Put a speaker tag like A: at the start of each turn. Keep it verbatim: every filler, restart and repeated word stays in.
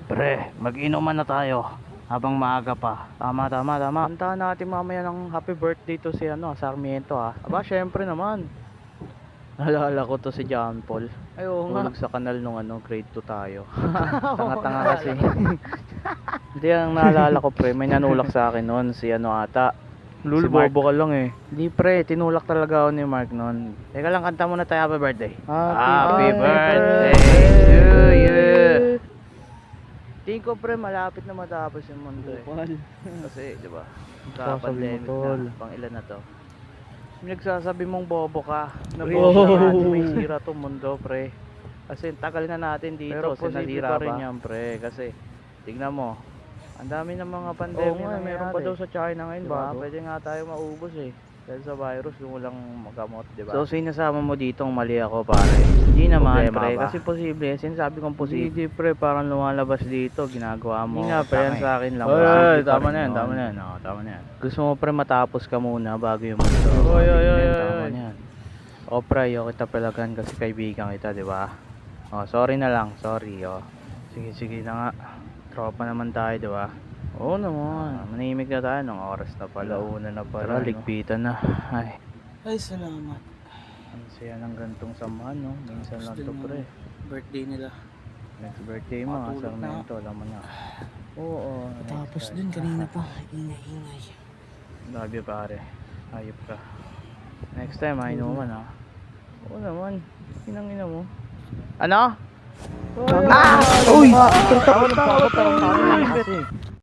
A: Pre, mag-inuman na tayo habang maaga pa. Tama, tama, tama. Kantahan natin mamaya ng happy birthday to si ano, Sarmiento ha. Aba, syempre naman. Naalala ko to si John Paul.
B: Ay, oo nga.
A: Tulog sa kanal nung ano, grade two tayo. Tanga-tanga kasi. Hindi, ang naalala ko pre, may nanulak sa akin noon si ano ata.
B: Lul,
A: Si Mark.
B: bobo ka lang eh.
A: Hindi pre, tinulak talaga ako ni Mark noon. Teka lang, kanta muna tayo happy birthday.
B: Happy
A: birthday
B: birthday
A: to you. Tingin ko pre, malapit na matapos yung mundo eh.
B: Bukal.
A: Kasi, di ba?
B: Sasabi mo,
A: Ka-pandemic
B: tol.
A: na. Pang ilan na to? Yung nagsasabi mong bobo ka. Na
B: Pre,
A: bobo
B: oh.
A: na natin may sira tong mundo pre. Kasi tagal na natin dito.
B: Pero
A: Sinasira
B: posible
A: pa
B: pa
A: rin
B: ba?
A: yan pre. Kasi, tignan mo. Ang dami ng mga pandemya
B: Oo nga,
A: na
B: meron pa daw sa China ngayon,
A: diba?
B: bago.
A: Pwede nga tayo maubos eh. Dahil sa virus, kung walang magamot, diba? So, sinasama mo ditong mali ako, pare. Hindi naman,
B: Problema
A: pre.
B: ba?
A: Kasi posible. Sinasabi kong posible.
B: Hindi,
A: pre. Parang lumalabas dito. Ginagawa mo.
B: Hindi nga, pre, yan sa
A: akin lang.
B: Oy,
A: Posible
B: oy,
A: pa
B: tama
A: rin
B: na yan,
A: yun.
B: tama na yan.
A: Oo, tama na yan. Gusto mo, pre, matapos ka muna bago yung mundo.
B: Oy, oy,
A: Tingnan
B: oy,
A: yan,
B: oy,
A: tama
B: oy.
A: na yan. O, pre, ayaw kita palagan kasi kaibigan kita, diba? O, sorry na lang. Sorry, o. Sige, sige na nga. Tropa naman tayo, diba?
B: Oo naman.
A: Ah, manimik na tayo ng oras na pala.
B: Alauna na pala,
A: Tara,
B: no?
A: ligpitan na. Ay,
C: Ay, salamat.
A: ang saya ng gantong samahan, no? Minsan lang to,
C: Gusto
A: pre.
C: ng birthday nila.
A: Next birthday mo,
C: Matulog na.
A: Sarmiento, alam mo na. Oo,
C: Tapos dun, kanina pa. Ingay-ingay.
A: love you, pare. Hayop ka. Next time, ay naman, ha? Oo naman. Inang ina mo. Ano?
B: Ah! Uy! Tawag, tawag, tawag.
A: Kasi.